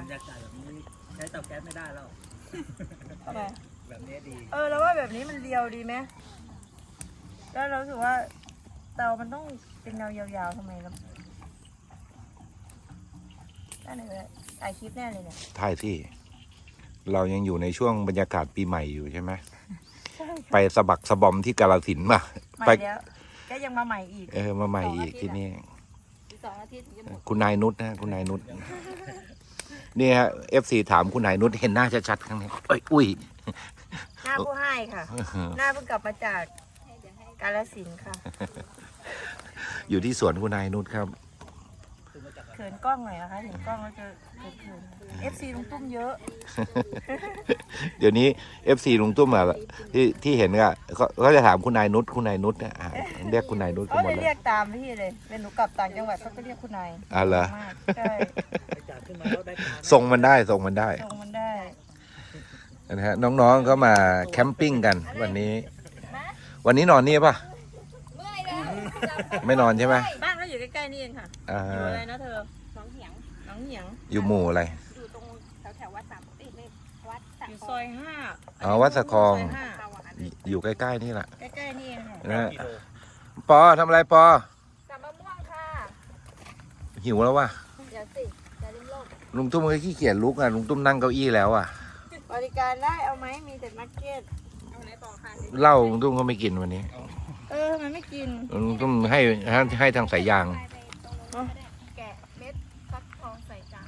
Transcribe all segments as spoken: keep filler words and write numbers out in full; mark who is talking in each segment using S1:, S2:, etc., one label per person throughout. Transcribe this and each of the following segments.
S1: ยากาศแบบนี้ใช้เตาแก๊สไม่ได้แล้วทำไมแบบนี้ดี
S2: เออแล้วว่าแบบนี้มันเรียวดีไหมแล้วเราถือว่าเตามันต้องเป็นแนวยาวๆทำไมครับได้เลยถ่ายคลิปแน่เลยเนี่ย
S3: ถ่ายที่เรายังอยู่ในช่วงบรรยากาศปีใหม่อยู่ใช่ไหมไปสะบักสะบอมที่กาฬสินธุ์มา
S2: ไปแล้วก็ยังมาใหม่อีก
S3: เออมาใหม่อีกที่นี่
S2: สองอาทิตย์ถึงจะหมด
S3: คุณนายนุชนะคุณนายนุชนี่ฮะเอฟซีถามคุณนายนุชเห็นหน้าชัดๆครั้งนี้เอ้ยอุ้ย
S2: หน้าผู้ให้ค่ะหน้าเพิ่งกลับมาจากกาฬสินธุ์ค่ะ
S3: อยู่ที่สวนคุณนายนุชครับ
S2: เขินกล้องหน่อยนะคะเห็นกล้องแล้วจะเขินเอฟซีลุงตุ้มเยอะ
S3: เดี๋ยวนี้เอฟซีลุงตุ้มอะที่ที่เห็นอะเขาจะถามคุณนายนุชคุณนายนุชเนี่ยเรียกคุณนายนุชกันหมดเลย
S2: เรียกตามพี่เลยเป็นหนูกลับต่างจังหวัดเขาก็เรียกคุณนาย
S3: อ่ะเหรอ
S2: ใช่
S3: ส่งมันได้ส่งมันได้
S2: ส่งมันได้
S3: นะฮะน้องๆก็มาแคมปิ้งกันวันนี้วันนี้นอนนี่ป่ะไม่นอนใช่ไหม
S2: บ้านก็อยู่ใกล้ๆนี่เองค่ะอยู่อะไรนะเธอหนองเหียงหนองเหียง
S3: อยู่หมู่อะไร
S2: อยู่ตรงแถวๆวัดสามติดเลยวัดอยู่ซอยห้า
S3: อ๋อวัดสะคองอยู่ใกล้ๆนี่แหละ
S2: ใกล้ๆนี่เอง
S3: นะฮะปอทำอะไรปอ
S2: จับมะม่วงค่ะ
S3: หิวแล้ววะ
S2: เดี๋ยวสิจะลิ้มโลก
S3: ลุงตุ้มก็ขี้เกียจลุกอ่ะลุงตุ้มนั่งเก้าอี้แล้วอ่ะ
S2: บริการได้เอาไหมมีแต่นักเก็ตเอาไหนต่อค่ะ
S3: เหล้าลุงตุ้มก็ไม่กินวันนี้
S2: เออมันไม่กิน
S3: ลุงตุ้มให้ให้ทางสายยาง
S2: แกะเม็ดฟักทองใส่จาน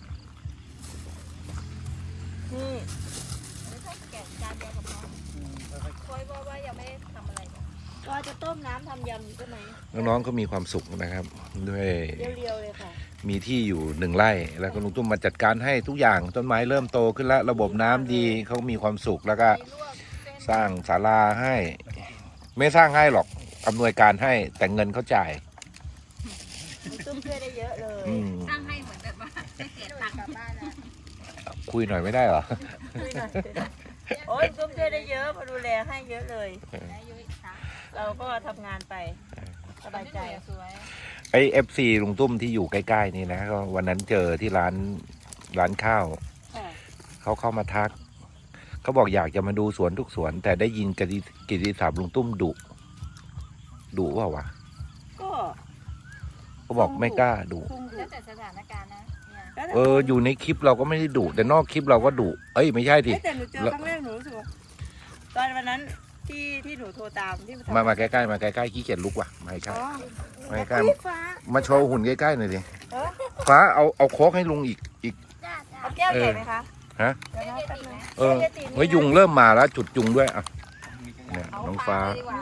S2: นี่ไม่ใช่แกะจานเดียวกับน้องคอยว่าว่ายังไม่ได้ทำอะไรก็จะต้มน้ำทำยำใช่ไหม
S3: น้องๆก็มีความสุขนะครับด้วย
S2: เรียวๆเลยค่ะ
S3: มีที่อยู่หนึ่งไร่แล้วก็ลุงตุ้มมาจัดการให้ทุกอย่างต้นไม้เริ่มโตขึ้นแล้วระบบน้ำดีเขามีความสุขแล้วก็สร้างศาลาให้ไม่สร้างให้หรอกอำนวยการให้แต่เงินเขาจ่าย
S2: ตุ้มช่วยได้เยอะเลยสร้างให้เหมือนแบบว่าได้เสียตังค์กลับบ้านแล้ว
S3: คุยหน่อยไม่ได้เหรอ
S2: โอ้ยตุ้มช่วยได้เยอะมาดูแลให้เยอะเลยเราก็ทำงานไปสบายใจ
S3: ไอเอฟซีลุงตุ้มที่อยู่ใกล้ๆนี่นะก็วันนั้นเจอที่ร้านร้านข้าวเขาเข้ามาทักเขาบอกอยากจะมาดูสวนทุกสวนแต่ได้ยินกิตติศัพท์ลุงตุ้มดุดุเปล่าวะ
S2: ก็
S3: เขาบอกไม่กล้าดุ
S2: แล้วแต่สถานการณ์นะ
S3: เอออยู่ในคลิปเราก็ไม่ได้ดุแต่นอกคลิปเราก็ดุเอ้ยไม่ใช่ที
S2: แต่หนูเจอครั้งแรกหนูรู้สึกว่าตอนวันนั้นที่ที่หนูโทรตามที่
S3: มามาใกล้ๆมาใกล้ๆขี้เกียจลุกว่ะมาใกล้มาใกล้มาโชว์หุ่นใกล้ๆหน่อยดิฟ้าเอาเอาโค้กให้ลุงอีกอีก
S2: เอาแก้วใหญ่ไหมคะ
S3: ฮะเออเฮ้ยยุงเริ่มมาแล้วจุดยุงด้วยอ่ะเนี่ยน้องฟ้า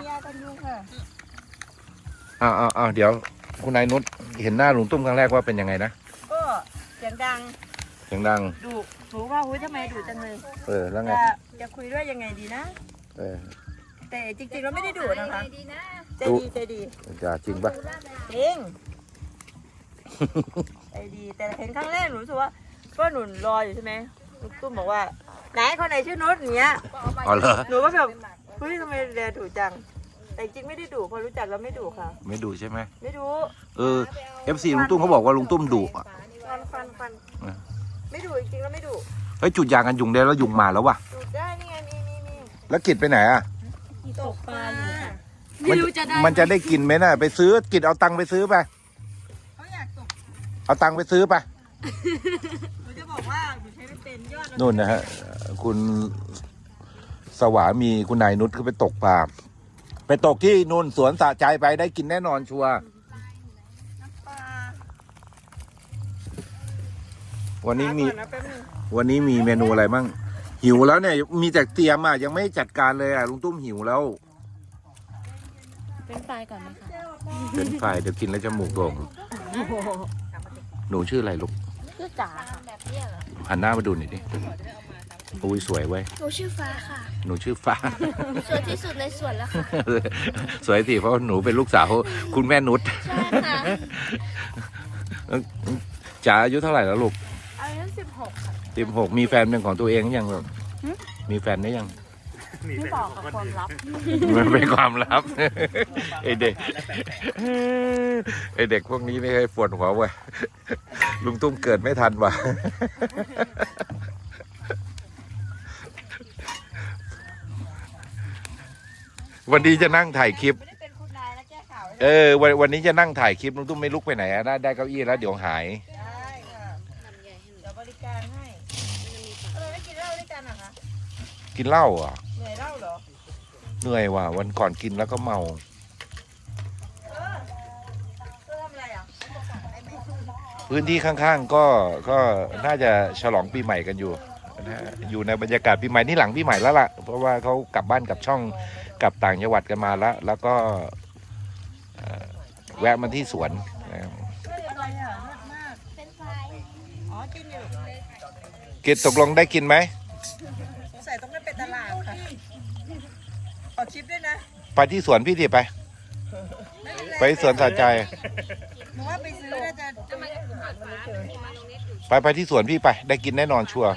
S3: อ้าวอ้าวเดี๋ยวคุณนายนุชเห็นหน้าลุงตุ้มครั้งแรกว่าเป็นยังไงนะ
S2: ก็เสียงดัง
S3: เสียงดัง
S2: ดุหนูว่าหุ้ยทำไมดุจังเลย
S3: เออแล้วไง
S2: จะคุยด้วยยังไงดีนะ
S3: เออ
S2: แต่จริงๆเราไม่ได้ดุนะคะใจดีใจดี
S3: จะจริงปะ
S2: จริงใจดีแต่เห็นครั้งแรกหนูรู้สึกว่าก็หนุนรออยู่ใช่ไหมลุงตุ้มบอกว่าไหนคนไหนชื่อนุชอย่างเงี้ย
S3: อ๋อเหรอ
S2: หนูก็แบบเฮ้ยทำไมแลดุจังแต่จริงไม่ได้ดุพอรู้จักแล้วไม่ดุค่ะ
S3: ไม่ดุใช่ไหม
S2: ไม่ดุ
S3: เออเอฟซีลุงตุ้มเขาบอกว่าลุงตุ้มดุอ่ะ
S2: ฟันฟันฟันไม่ดุจริงๆแล้วไม่ดุ
S3: เฮ้ยจุดยางกันยุงได้แล้วยุงมาแล้ววะ
S2: จุดได้นี่ไงนี่นี่นี่
S3: แล้วกิดไปไหนอ่ะ
S2: ตกปลาอยู่ค่ะ
S3: ไม่รู้จะได้มันจะได้กินไหมน่ะไปซื้อกิดเอาตังค์ไปซื้อไป
S2: เขาอยากตก
S3: เอาตังค์ไปซื้อไป
S2: หนูจะบอกว่าหนูใช้ไม่เป็นยอด
S3: นู่นนะฮะคุณสวามีคุณนายนุชก็ไปตกปลาไปตกที่นู่นสวนสะใจไปได้กินแน่นอนชัวร์วันนี้มีวันนี้มีเมนูอะไรบ้างหิวแล้วเนี่ยมีแต่เตรียมอ่ะยังไม่จัดการเลยอ่ะลุงตุ้มหิวแล้ว
S2: เป็นไฟก่อนไหมคะ
S3: เป็นไฟเดี๋ยวกินแล้วจมูกโด่งหนูชื่ออะไรลูก
S2: ชื่อจ๋า
S3: หันหน้ามาดูหน่อยดิอุ้ยสวยเว้ย
S4: หนูชื่อฟ้าค่ะ
S3: หนูชื่อฟ้า
S4: สวยที่สุดในสวนแล้วค่ะ
S3: สวยสิเพราะหนูเป็นลูกสาวคุณแม่นุช
S4: ใช่ค่ะ
S3: จ๋าอายุเท่าไหร่แล้วลูก
S4: อายุสิบหกค่ะ
S3: สิบหกมีแฟนเป็นของตัวเองยังลูกมีแฟนได้ยัง
S1: มี
S2: ไม่
S1: แต่
S2: บอกกับความลับ
S3: มันเป็นความลับ ไอเด็กไอเด็กพวกนี้ไม่เคยปวดหัวเว้ยลุงตุ้มเกิดไม่ทันว่ะวันนี้จะนั่งถ่ายคลิป
S2: ไม่ได้เป็นคุณนายนะแก้ข่าวให้
S3: เออวันวันนี้จะนั่งถ่ายคลิปลุงตุ้มไม่ลุกไปไหนอะได้ได้เก้าอี้แล้วเดี๋ยวหาย
S2: ได้ค่ะเดี๋ยวบริการให้ทำไมไม่กินเหล้าด้วยกันอะคะ
S3: กินเหล้าเหรอ่ะ
S2: เหนื่อยเหล้าเหรอ
S3: เหนื่อยว่ะวันก่อนกินแล้วก็เมา
S2: เออเธอทำอะไรอ่ะ
S3: พื้นที่ข้างๆก็ก็น่าจะฉลองปีใหม่กันอยู่นะฮะอยู่ในบรรยากาศปีใหม่นี่หลังปีใหม่แล้วล่ะเพราะว่าเขากลับบ้านกลับช่องกลับต่างจังหวัดกันมาแล้ว แล้วก็เอ่อแวะมาที่สวนนะครับ
S2: เฮ้ยอะไรอ่ะเลิศมาก
S4: เป็นไฟ
S2: อ๋อกินอยู่
S3: กินตกลงได้กินไหม
S2: สงสัยต้องได้เป็นตลาดค่ะขอชิปด้วยนะ
S3: ไปที่สวนพี่ดิไป ไปที่สวนสาใจ
S2: หนูว่าไปซื้อน่าจะจะมา
S3: ไปไปที่สวนพี่ไป ได้กินแน่นอนชัวร์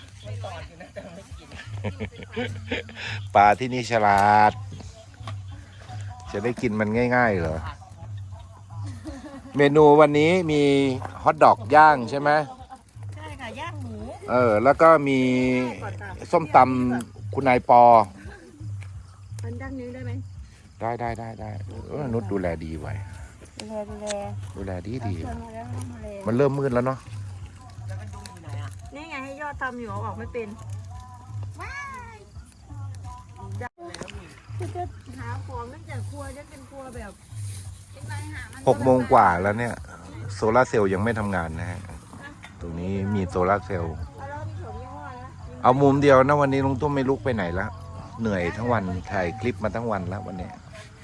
S3: ปลาที่นี่ฉลาด จะได้กินมันง่ายๆเหรอ เมนูวันนี้มีฮอทดอกย่างใช่ไหม
S2: ใช่ค่ะย่างหมู
S3: เออ แล้วก็มีส้มตำคุณนายปอ
S2: มันดังนึงได้ไหม
S3: ได้ได้ได้ได้เออนุชดูแลดีไว้
S2: ดูแลดูแล
S3: ดูแลดีดี
S2: ชวนมาแล้วมาเลย
S3: มันเริ่มมืดแล้วเนาะ
S2: นี่ไงให้ยอดทำอยู่เอาออกไม่เป็นจะหาของตั้งแต่ครัวจะเป็นครัวแบบ
S3: หกโมงกว่าแล้วเนี่ย โซลาร์เซลล์ยังไม่ทำงานนะฮะ ตรงนี้มีโซลาร์เซลล์
S2: เอาแล้วมีถั่วยี่ห้อนะ
S3: เอามุมเดียวนะวันนี้ลุงตุ้มไม่ลุกไปไหนแล้ว เหนื่อยทั้งวันถ่ายคลิปมาทั้งวันแล้ววันนี้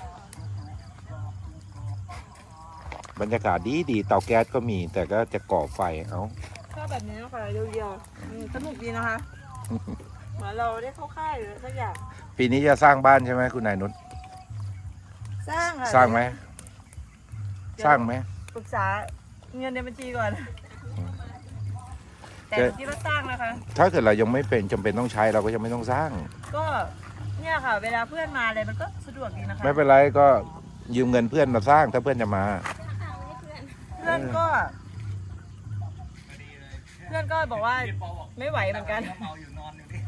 S3: บรรยากาศดีดีเตาแก๊สก็มี แต่ก็จะก่อไฟเอา
S2: ชอบแบบนี้นะคะเรียวๆอืมสนุกดีนะคะ เหมือนเราได้เข้าค่ายหรือสักอย่าง
S3: ปีนี้จะสร้างบ้านใช่ไหมคุณนายนุช
S2: สร้างค่ะ
S3: สร้างไหมสร้างไหม
S2: ปรึกษาเงินในบัญชีก่อน แต่
S3: จะ
S2: ที่เราสร้างนะคะ
S3: ถ้าเกิดเรายังไม่เป็นจำเป็นต้องใช้เราก็ยังไม่ต้องสร้าง
S2: ก็เนี่ยค่ะ เวลาเพื่อนมาอะไรมันก็สะดวกดีนะคะ
S3: ไม่เป็นไรก็ยืมเงินเพื่อนมาสร้างถ้าเพื่อนจะมา
S2: เพื่อนก็ เพื่อนก็บอกว่าไม่ไหวเหมือนกัน
S1: เมาอยู่นอนอยู่นี่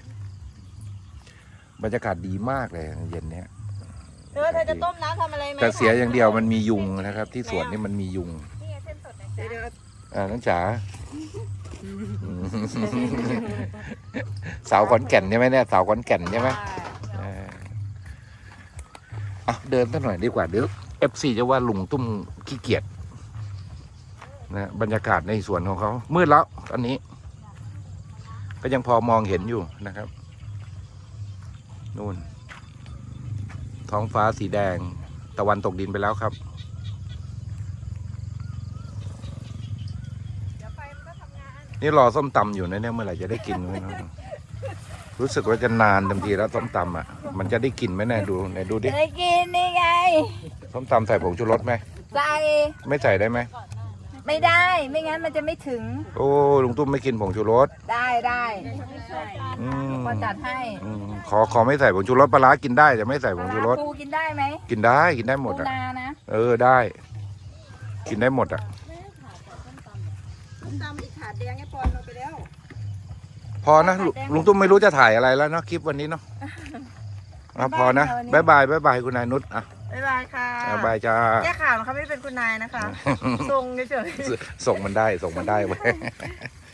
S3: บรรยากาศดีมากเลยเย็นเนี้ย
S2: เธอเธอจะต้มน้ำทำอะไรไหม
S3: แต่เสียอย่างเดียวมันมียุงนะครับ ที่สวนนี่มันมียุง
S2: เดี๋ยวเดี๋ยว
S3: อ่าน้องจ๋าสาวขอนแก่นใช่ไหมเนี่ยสาวขอนแก่นใช่ไหมเออเอาเดินสักหน่อยดีกว่าเดี๋ยวเอฟซีจะว่าลุงตุ้มขี้เกียจนะบรรยากาศในสวนของเขามืดแล้วตอนนี้ ก็ยังพอมองเห็นอยู่นะครับนู่นท้องฟ้าสีแดงตะวันตกดินไปแล้วครับ
S2: เดี๋ยวไฟมันก็ทำงาน
S3: นี่รอส้มตำอยู่นะเนี่ยเมื่อไหร่จะได้กินไหมน้องรู้สึกว่าจะนานเต็มทีแล้วส้มตำอ่ะมันจะได้กินไหมเนี่ยดูไหนดูดิ
S2: ได้กินนี่ไง
S3: ส้มตำใส่ผงชูรสไหม
S2: ใส่
S3: ไม่ใส่ได้ไหม
S2: ไม่ได้ไม่งั้นมันจะไม่ถึง
S3: โอ้ลุงตุ้มไม่กินผงชูรส
S2: ได้ได้
S3: อืม
S2: พอจัดให้
S3: อืมขอขอไม่ใส่ผงชูรสปลาร้ากินได้แต่ไม่ใส่ผงชูรส
S2: ปูกินได้ไหม
S3: กินได้กินได้หมด
S2: ปู
S3: อ่ะ
S2: นานะ
S3: เออได้ กินได้หมดอ่ะ
S2: ต้มตำอีกขาดแดงให้ปอนเราไปแล้ว
S3: พอนะลุลุงตุ้มไม่รู้จะถ่ายอะไรแล้วเนาะคลิปวันนี้เนาะอ่ะพอนะบายบายบายบายคุณนายนุชอ่ะ
S2: บ๊ายบายค่ะ
S3: อ่ะบายจ้า
S2: แก้ข่าวนะคะไม่ได้เป็นคุณนายนะคะทรงเฉย
S3: ส่งมันได้ส่งมันได้ไว้ย